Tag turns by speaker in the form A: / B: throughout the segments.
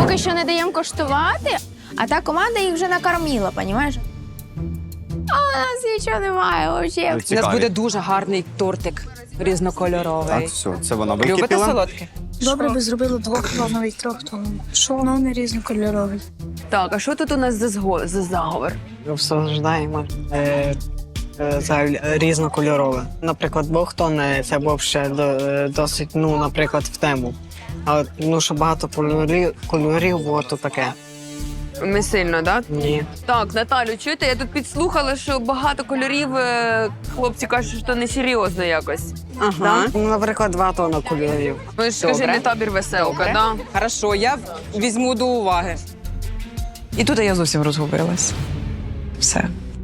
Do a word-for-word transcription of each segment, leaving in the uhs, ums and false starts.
A: поки що не даємо коштувати, а та команда їх вже накормила, понімаєш? А у нас нічого немає взагалі.
B: У нас буде дуже гарний тортик різнокольоровий.
C: Так, все, це вона
B: Любите
C: википіла.
B: солодке?
D: Добре би зробили двохплановий торт, тому що воно не різнокольоровий.
B: Так, а що тут у нас за, зго... за заговор?
E: Обсуждаємо е, е, за різнокольорове. Наприклад, бохтон це був ще до, е, досить, ну, наприклад, в тему. А ну, що багато кольорів, кольорів було, то таке.
B: Не сильно, так?
E: Ні.
B: Так, Наталю, чуєте, я тут підслухала, що багато кольорів, е, хлопці кажуть, що несерйозно якось.
E: Ага. Ну, наприклад, два тонни кольорів.
B: Ви ж скажи, не табір веселка, да?
F: Хорошо, я візьму до уваги. І тут я зовсім розгубилась. Все.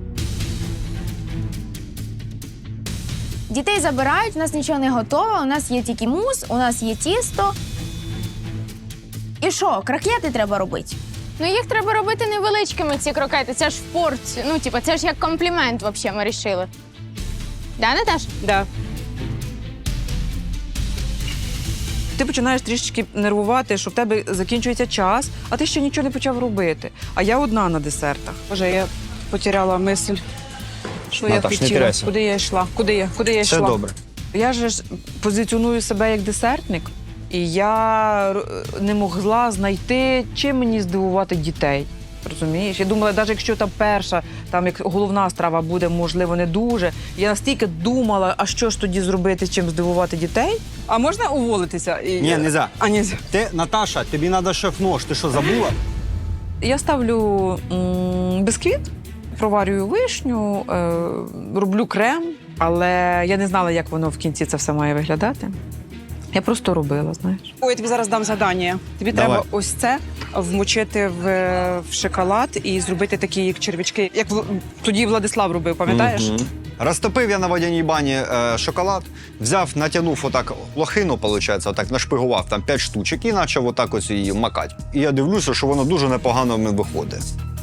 A: Дітей забирають, у нас нічого не готово, у нас є тільки мус, у нас є тісто. І що, крокети треба робити?
G: Ну, їх треба робити невеличкими, ці крокети. Це ж в порцію. Ну, типу, це ж як комплімент, взагалі, ми вирішили. Да, Наташ?
F: Да. Ти починаєш трішечки нервувати, що в тебе закінчується час, а ти ще нічого не почав робити. А я одна на десертах. Боже, я потеряла мисль, що
C: Наташ,
F: я
C: не
F: хотіла.
C: теряйся.
F: Куди я йшла? Куди я? Куди я
C: Все
F: йшла?
C: добре.
F: Я же ж позиціоную себе як десертник, і я р- не могла знайти, чим мені здивувати дітей. Розумієш? Я думала, навіть якщо там перша, там як головна страва буде, можливо, не дуже. Я настільки думала, а що ж тоді зробити, чим здивувати дітей. А можна уволитися? І...
C: Ні, не за.
F: А, ні.
C: Ти, Наташа, тобі треба шеф-нож. Ти що, забула?
F: Я ставлю м, бисквіт, проварюю вишню, е, роблю крем, але я не знала, як воно в кінці це все має виглядати. Я просто робила, знаєш.
H: Ой, я тобі зараз дам завдання. Тобі
C: Давай.
H: треба ось це вмочити в, в шоколад і зробити такі як червячки, як в- тоді Владислав робив, пам'ятаєш?
C: Мгм. Розтопив я на водяній бані е, шоколад, взяв, натягнув отак лохину, виходить, отак нашпигував там п'ять штучок і почав отак ось її макати. І я дивлюся, що воно дуже непогано в мене виходить.